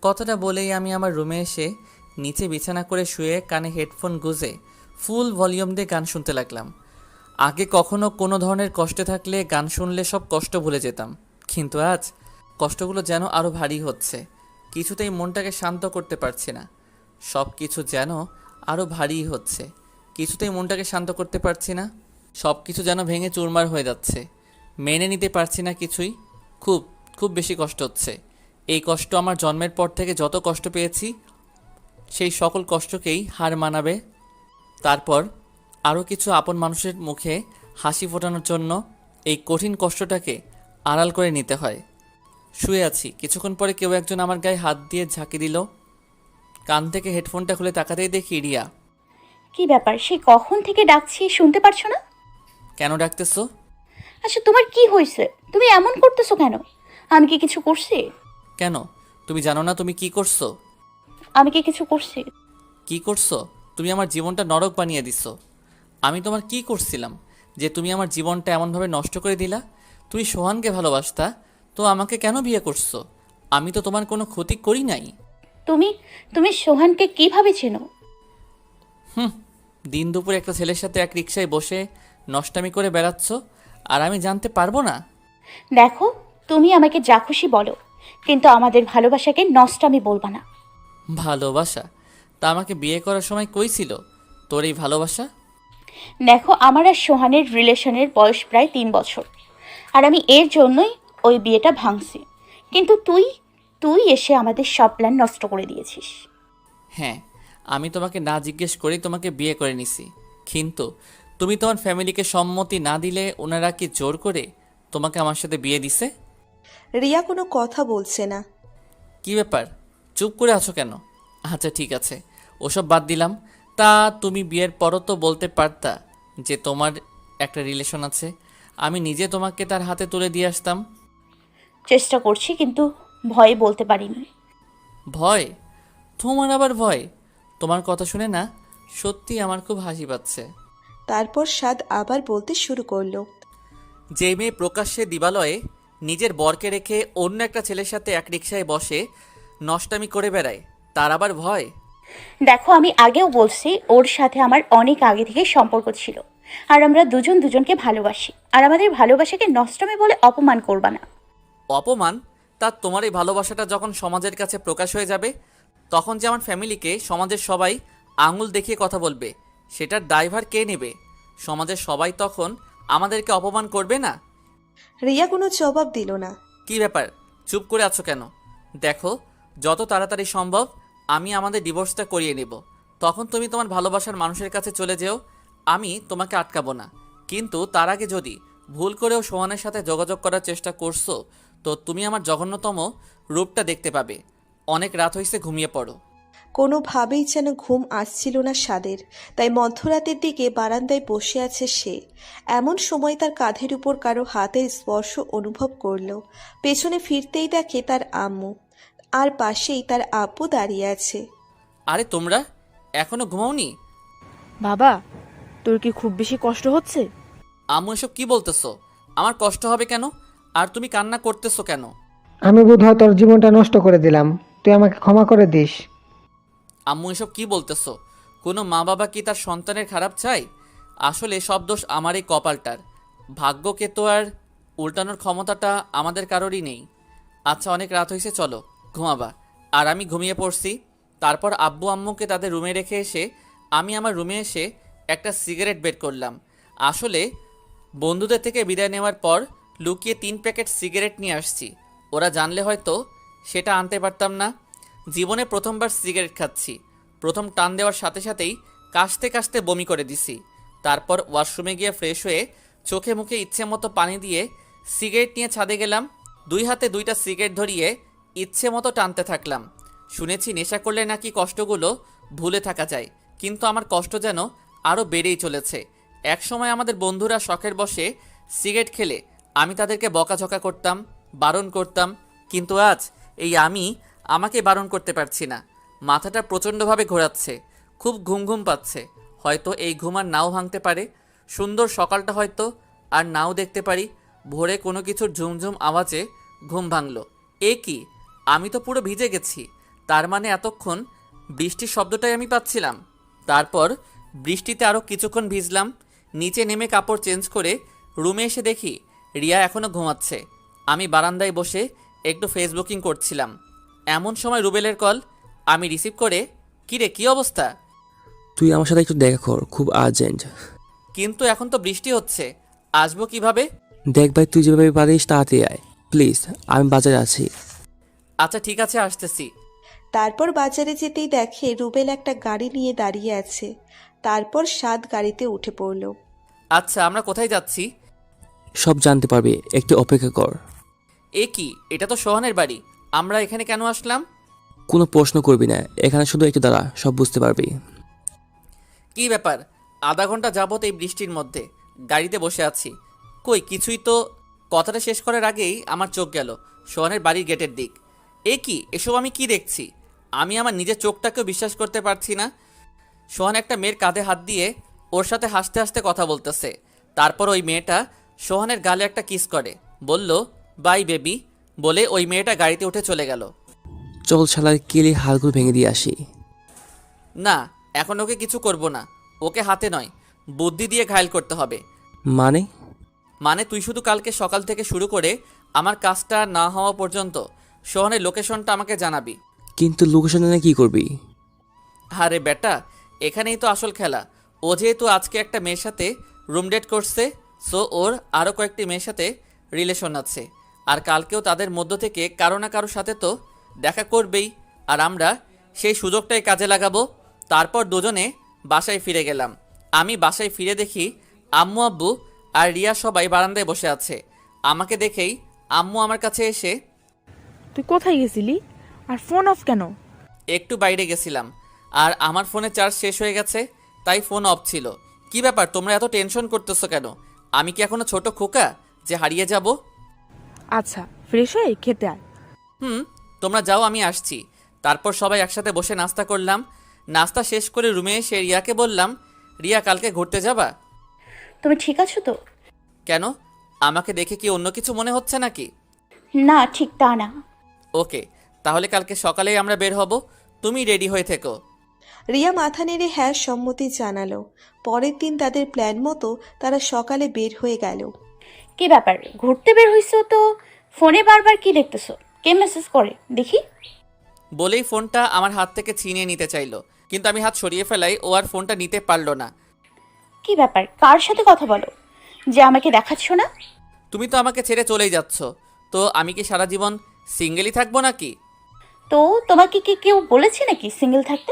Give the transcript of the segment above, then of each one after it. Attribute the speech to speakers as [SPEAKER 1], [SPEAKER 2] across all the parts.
[SPEAKER 1] কথাটা বলেই আমি আমার রুমে এসে নিচে বিছানা করে শুয়ে কানে হেডফোন গুঁজে ফুল ভলিউম দিয়ে গান শুনতে লাগলাম। আগে কখনো কোনো ধরনের কষ্টে থাকলে গান শুনলে সব কষ্ট ভুলে যেতাম, কিন্তু আজ কষ্টগুলো যেন আরও ভারী হচ্ছে। কিছুতেই মনটাকে শান্ত করতে পারছি না। সব কিছু যেন আরও ভারী হচ্ছে, কিছুতেই মনটাকে শান্ত করতে পারছি না। সব কিছু যেন ভেঙে চুরমার হয়ে যাচ্ছে, মেনে নিতে পারছি না কিছুই। খুব খুব বেশি কষ্ট হচ্ছে। এই কষ্ট আমার জন্মের পর থেকে যত কষ্ট পেয়েছি সেই সকল কষ্টকেই হার মানাবে। তারপর আরও কিছু আপন মানুষের মুখে হাসি ফোটানোর জন্য এই কঠিন কষ্টটাকে আড়াল করে নিতে হয়। শুয়ে আছি, কিছুক্ষণ পরে কেউ একজন আমার গায়ে হাত দিয়ে ঝাঁকি দিল। কান থেকে হেডফোনটা খুলে তাকাতেই দেখি রিয়া।
[SPEAKER 2] কি ব্যাপার, সেই কখন থেকে ডাকছি, শুনতে পারছো না?
[SPEAKER 1] কেন ডাকতেছো?
[SPEAKER 2] আচ্ছা, তোমার কি হয়েছে? তুমি এমন করতেছো কেন? আমি কি কিছু করছি?
[SPEAKER 1] কেন? তুমি জানো না তুমি কি করছো?
[SPEAKER 2] আমি কি কিছু করছি?
[SPEAKER 1] কি করছো? তুমি আমার জীবনটা নরক বানিয়ে দিছো। আমি তোমার কি করছিলাম যে তুমি আমার জীবনটা এমনভাবে নষ্ট করে দিলা? তুমি সোহানকে ভালোবাসতা, তো আমাকে কেন বিয়ে করছো? আমি তো তোমার কোনো ক্ষতি করি নাই।
[SPEAKER 2] তুমি তুমি সোহানকে কিভাবে চেনো?
[SPEAKER 1] দিন দুপুরে একটা ছেলের সাথে এক রিকশায় বসে নষ্টামি করে বেড়াচ্ছ, আর আমি জানতে পারবো না?
[SPEAKER 2] দেখো, তুমি আমাকে যা খুশি বলো, কিন্তু আমাদের ভালোবাসাকে নষ্টামি বলবা না।
[SPEAKER 1] ভালোবাসা? তা আমাকে বিয়ে করার সময় কই ছিল তোর এই ভালোবাসা?
[SPEAKER 2] দেখো, আমার আর সোহানের রিলেশনের বয়স প্রায় 3 বছর, আর আমি এর জন্যই ওই বিয়েটা ভাঙছি। কিন্তু তুই তুই এসে আমাদের সব প্ল্যান নষ্ট করে দিয়েছিস।
[SPEAKER 1] হ্যাঁ, আমি তোমাকে না জিজ্ঞেস করেই তোমাকে বিয়ে করে নিছি। কিন্তু তুমি তোমার ফ্যামিলিকে সম্মতি না দিলে ওনারা কি জোর করে তোমাকে আমার সাথে বিয়ে দিছে?
[SPEAKER 3] রিয়া কোনো কথা বলছে না।
[SPEAKER 1] কি ব্যাপার, চুপ করে আছো কেন? আচ্ছা ঠিক আছে, ওসব বাদ দিলাম। তা তুমি বিয়ের পরও তো বলতে পারতা যে তোমার একটা রিলেশন আছে, আমি নিজে তোমাকে তার হাতে তুলে দিয়ে আসতাম।
[SPEAKER 2] চেষ্টা করছি, কিন্তু ভয়ে বলতে পারিনি।
[SPEAKER 1] ভয়? তোমার আবার ভয়? তোমার কথা শুনে না সত্যি আমার খুব হাসি পাচ্ছে।
[SPEAKER 3] তারপর সাদ আবার বলতে শুরু করলো।
[SPEAKER 1] যে মেয়ে প্রকাশ্যে দিবালয়ে নিজের বরকে রেখে অন্য একটা ছেলের সাথে এক রিকশায় বসে নষ্টামি করে বেড়ায়, তার আবার ভয়?
[SPEAKER 2] দেখো, আমি আগেও বলছি ওর সাথে আমার অনেক আগে থেকে সম্পর্ক ছিল, আর আমরা দুজন দুজনকে ভালোবাসি, আর আমাদের ভালোবাসাকে নষ্টমী বলে অপমান করবা না।
[SPEAKER 1] অপমান? তা তোমার এই ভালোবাসাটা যখন সমাজের কাছে প্রকাশ হয়ে যাবে, তখন যে আমার ফ্যামিলিকে সমাজের সবাই আঙুল দেখিয়ে কথা বলবে, সেটার দায়ভার কে নেবে? সমাজের সবাই তখন আমাদেরকে অপমান করবে না?
[SPEAKER 3] রিয়া কোনো জবাব দিল না।
[SPEAKER 1] কি ব্যাপার, চুপ করে আছো কেন? দেখো, যত তাড়াতাড়ি সম্ভব আমি আমাদের ডিভোর্সটা করিয়ে নেব। তখন তুমি তোমার ভালোবাসার মানুষের কাছে চলে যেও, আমি তোমাকে আটকাবো না। কিন্তু তার আগে যদি ভুল করেও সোহানের সাথে যোগাযোগ করার চেষ্টা করছো, তো তুমি আমার জঘন্যতম রূপটা দেখতে পাবে। অনেক রাত হয়েছে, ঘুমিয়ে পড়ো।
[SPEAKER 3] কোনোভাবেই যেন ঘুম আসছিল না সাদের, তাই মধ্যরাতের দিকে বারান্দায় বসে আছে সে। এমন সময় তার কাঁধের উপর কারো হাতের স্পর্শ অনুভব করলো। পেছনে ফিরতেই দেখে তার আম্মু, আর পাশেই তার আব্বু দাঁড়িয়ে আছে।
[SPEAKER 1] আরে তোমরা এখনো ঘুমাওনি?
[SPEAKER 4] বাবা, তোর কি খুব বেশি কষ্ট হচ্ছে?
[SPEAKER 1] আম্মু এসব কি বলতেছো? আমার কষ্ট হবে কেন? আর তুমি কান্না করতেছো কেন?
[SPEAKER 5] আমি বোধহয় তোর জীবনটা নষ্ট করে দিলাম, তুই আমাকে ক্ষমা করে দিস।
[SPEAKER 1] আম্মু এসব কি বলতেছো? কোনো মা বাবা কি তার সন্তানের খারাপ চায়? আসলে সব দোষ আমার এই কপালটার। ভাগ্যকে তো আর উল্টানোর ক্ষমতাটা আমাদের কারোরই নেই। আচ্ছা, অনেক রাত হয়েছে, চলো ঘুমাবা। আর আমি ঘুমিয়ে পড়ছি। তারপর আব্বু আম্মুকে তাদের রুমে রেখে এসে আমি আমার রুমে এসে একটা সিগারেট বের করলাম। আসলে বন্ধুদের থেকে বিদায় নেওয়ার পর লুকিয়ে 3 প্যাকেট সিগারেট নিয়ে আসছি। ওরা জানলে হয়তো সেটা আনতে পারতাম না। জীবনে প্রথমবার সিগারেট খাচ্ছি। প্রথম টান দেওয়ার সাথে সাথেই কাশতে কাশতে বমি করে দিছি। তারপর ওয়াশরুমে গিয়ে ফ্রেশ হয়ে চোখে মুখে ইচ্ছে মতো পানি দিয়ে সিগারেট নিয়ে ছাদে গেলাম। 2 হাতে 2টা সিগারেট ধরিয়ে ইচ্ছে মতো টানতে থাকলাম। শুনেছি নেশা করলে নাকি কষ্টগুলো ভুলে থাকা যায়, কিন্তু আমার কষ্ট যেন আরও বেড়েই চলেছে। একসময় আমাদের বন্ধুরা শখের বসে সিগারেট খেলে আমি তাদেরকে বকাঝকা করতাম, বারণ করতাম, কিন্তু আজ এই আমি আমাকে বারণ করতে পারছি না। মাথাটা প্রচণ্ডভাবে ঘোরাচ্ছে, খুব ঘুম ঘুম পাচ্ছে। হয়তো এই ঘুম আর নাও ভাঙতে পারে। সুন্দর সকালটা হয়তো আর নাও দেখতে পারি। ভোরে কোনো কিছুর ঝুমঝুম আওয়াজে ঘুম ভাঙল। এ কি, আমি তো পুরো ভিজে গেছি। তার মানে এতক্ষণ বৃষ্টির শব্দটাই আমি পাচ্ছিলাম। তারপর বৃষ্টিতে আরও কিছুক্ষণ ভিজলাম। নিচে নেমে কাপড় চেঞ্জ করে রুমে এসে দেখি রিয়া এখনও ঘুমাচ্ছে। আমি বারান্দায় বসে একটু ফেসবুকিং করছিলাম। এমন সময় রুবেলের কল। আমি রিসিভ করে, কিরে কী অবস্থা?
[SPEAKER 6] তুই আমার সাথে একটু দেখা কর, খুব আর্জেন্ট।
[SPEAKER 1] কিন্তু এখন তো বৃষ্টি হচ্ছে, আসবো কিভাবে?
[SPEAKER 6] দেখ ভাই, তুই যেভাবে পারিস তাড়াতাড়ি আয় প্লিজ, আমি বাজারে আছি।
[SPEAKER 1] আচ্ছা ঠিক আছে, আসতেছি।
[SPEAKER 3] তারপর বাজারে যেতেই দেখে রুবেল একটা গাড়ি নিয়ে দাঁড়িয়ে আছে। তারপর সাদ গাড়িতে উঠে পড়ল।
[SPEAKER 1] আচ্ছা আমরা কোথায় যাচ্ছি?
[SPEAKER 6] সব জানতে পারবি, একটু অপেক্ষা কর।
[SPEAKER 1] এ কি, এটা তো সোহানের বাড়ি, আমরা এখানে কেন আসলাম?
[SPEAKER 6] কোনো প্রশ্ন করবি না, এখানে শুধু একটু দাঁড়া, সব বুঝতে পারবি।
[SPEAKER 1] কি ব্যাপার? আধা ঘন্টা যাবত এই বৃষ্টির মধ্যে গাড়িতে বসে আছি, কই কিছুই তো। কথাটা শেষ করার আগেই আমার চোখ গেল সোহানের বাড়ির গেটের দিক। এ কি, এসব আমি কি দেখছি? আমি আমার নিজের চোখটাকেও বিশ্বাস করতে পারছি না। সোহান একটা মেয়ের কাঁধে হাত দিয়ে ওর সাথে হাসতে হাসতে কথা বলতেছে। তারপর ওই মেয়েটা সোহানের গালে একটা কিস করে, বলল বাই বেবি বলে ওই মেয়েটা গাড়িতে উঠে চলে গেল।
[SPEAKER 6] চল শালার কেলি হাড়গুলো ভেঙে দিয়ে আসি।
[SPEAKER 1] না, এখন ওকে কিছু করব না, ওকে হাতে নয় বুদ্ধি দিয়ে ঘায়েল করতে হবে।
[SPEAKER 6] মানে?
[SPEAKER 1] মানে তুই শুধু কালকে সকাল থেকে শুরু করে আমার কাজটা না হওয়া পর্যন্ত সোহানের লোকেশনটা আমাকে জানাবি।
[SPEAKER 6] কিন্তু লোকেশন এনে কি করবি?
[SPEAKER 1] আরে বেটা, এখানেই তো আসল খেলা। ও যেহেতু আজকে একটা মেয়ের সাথে রুম ডেট করছে, সো ওর আরও কয়েকটি মেয়ের সাথে রিলেশন আছে, আর কালকেও তাদের মধ্য থেকে কারো না কারোর সাথে তো দেখা করবেই। আর আমরা সেই সুযোগটাই কাজে লাগাবো। তারপর দুজনে বাসায় ফিরে গেলাম। আমি বাসায় ফিরে দেখি আম্মু আব্বু আর রিয়া সবাই বারান্দায় বসে আছে। আমাকে দেখেই আম্মু আমার কাছে এসে,
[SPEAKER 4] তুই কোথায় গেছিলি আর ফোন অফ কেন?
[SPEAKER 1] একটু বাইরে গেছিলাম আর আমার ফোনে চার্জ শেষ হয়ে গেছে, তাই ফোন অফ ছিল। কি ব্যাপার, তোমরা এত টেনশন করতেছো কেন? আমি কি এখনো ছোট খোকা যে হারিয়ে যাব?
[SPEAKER 4] আচ্ছা ফ্রেশ হয়ে খেতে আয়।
[SPEAKER 1] তোমরা যাও, আমি আসছি। তারপর সবাই একসাথে বসে নাস্তা করলাম। নাস্তা শেষ করে রুমে এসে রিয়াকে বললাম, রিয়া কালকে ঘুরতে যাবা?
[SPEAKER 2] তুমি ঠিক আছো তো?
[SPEAKER 1] কেন, আমাকে দেখে কি অন্য কিছু মনে হচ্ছে নাকি?
[SPEAKER 2] না, ঠিক তা না।
[SPEAKER 1] ওকে, তাহলে কালকে সকালেই আমরা বের হব, তুমি রেডি হয়ে থেকো।
[SPEAKER 3] রিয়া মাথা নেড়ে হ্যাঁ সম্মতি জানালো। পরের দিন তাদের প্ল্যান মতো তারা সকালে বের হয়ে গেল।
[SPEAKER 2] কি ব্যাপার, ঘুরতে বের হইছো তো ফোনে বারবার কি দেখতেছো? কে মেসেজ করে দেখি?
[SPEAKER 1] বলেই ফোনটা আমার হাত থেকে ছিনিয়ে নিতে চাইলো, কিন্তু আমি হাত সরিয়ে ফেলাই ও আর ফোনটা নিতে পারলো না।
[SPEAKER 2] কি ব্যাপার, কার সাথে কথা বলো যে আমাকে দেখাচ্ছ না?
[SPEAKER 1] তুমি তো আমাকে ছেড়ে চলেই যাচ্ছ, তো আমি কি সারা জীবন সিঙ্গেলই থাকবো নাকি?
[SPEAKER 2] তো তোমাকে কি কেউ বলেছে নাকি সিঙ্গেল থাকতে?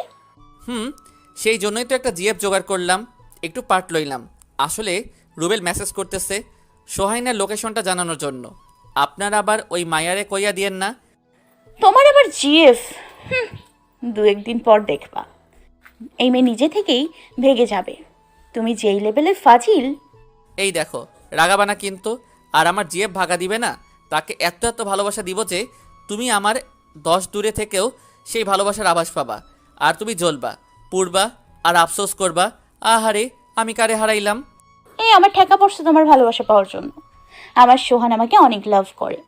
[SPEAKER 1] সেই জন্যই তো একটা জিএফ জোগাড় করলাম, একটু পার্ট লইলাম। আসলে রুবেল মেসেজ করতেছে সোহাইনার লোকেশনটা জানানোর জন্য। আপনারা আবার ওই মায়ারে কইয়া দিয়েন না।
[SPEAKER 2] তোমার আবার জিএফ? দু একদিন পর দেখবা এই মেয়ে নিজে থেকেই ভেগে যাবে। তুমি যেই লেভেলের ফাজিল।
[SPEAKER 1] এই দেখো, রাগাবানা কিন্তু। আর আমার জিএফ ভাগা দিবে না, তাকে এত এত ভালোবাসা দিব যে তুমি আমার 10 দূরে থেকেও সেই ভালোবাসার আভাস পাবা। আর তুমি জ্বলবা, পুড়বা, আর আফসোস করবা, আহারে আমি কারে হারাইলাম।
[SPEAKER 2] এই আমার ঠেকা পড়ছে তোমার ভালোবাসা পাওয়ার জন্য। আমার সোহান আমাকে অনেক লাভ করে।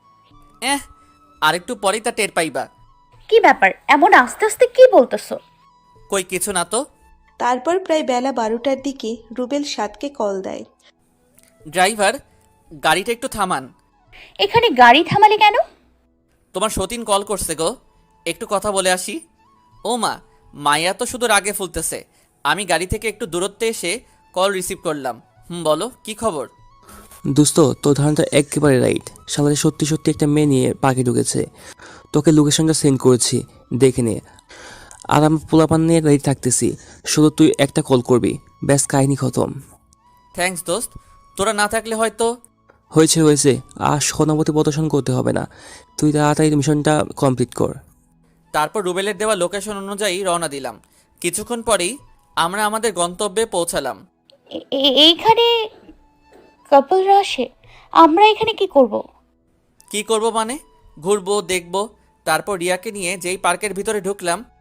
[SPEAKER 1] আরেকটু পরেই তা টের পাইবা।
[SPEAKER 2] কি ব্যাপার, এমন আস্তে আস্তে কি বলতেছো?
[SPEAKER 1] কই কিছু না তো।
[SPEAKER 3] তারপর প্রায় বেলা 12টার দিকে রুবেল সাদকে কল দেয়।
[SPEAKER 1] ড্রাইভার, গাড়িটা একটু থামান।
[SPEAKER 2] এখানে গাড়ি থামালে কেন?
[SPEAKER 1] তোমার সতীন কল করছে গো, একটু কথা বলে আসি। ও মা, মাইয়া তো শুধু রাগে ফুলতেছে। আমি গাড়ি থেকে একটু দূরত্বে এসে কল রিসিভ করলাম। বলো কি খবর?
[SPEAKER 6] দোস্ত, তোর ধারণাটা একেবারে রাইট। শালারে সত্যি সত্যি একটা মেয়ে নিয়ে পার্কে ঢুকেছে। তোকে লোকেশনটা সেন্ড করেছি, দেখে নে। আর আমি পোলাপান নিয়ে রেডি থাকতেছি, শুধু তুই একটা কল করবি, ব্যাস কাহিনী খতম।
[SPEAKER 1] থ্যাঙ্কস দোস্ত, তোরা না থাকলে হয়তো।
[SPEAKER 6] হয়েছে, আর সহানুভূতি প্রদর্শন করতে হবে না, তুই তাড়াতাড়ি মিশনটা কমপ্লিট কর।
[SPEAKER 1] তারপর রুবেলের দেওয়া লোকেশন অনুযায়ী রওনা দিলাম। কিছুক্ষণ পরেই আমরা আমাদের গন্তব্যে পৌঁছালাম।
[SPEAKER 2] এইখানে কাপলরা আসে? আমরা এখানে কি করব?
[SPEAKER 1] কি করব মানে? ঘুরবো, দেখবো। তারপর রিয়াকে নিয়ে যেই পার্কের ভিতরে ঢুকলাম,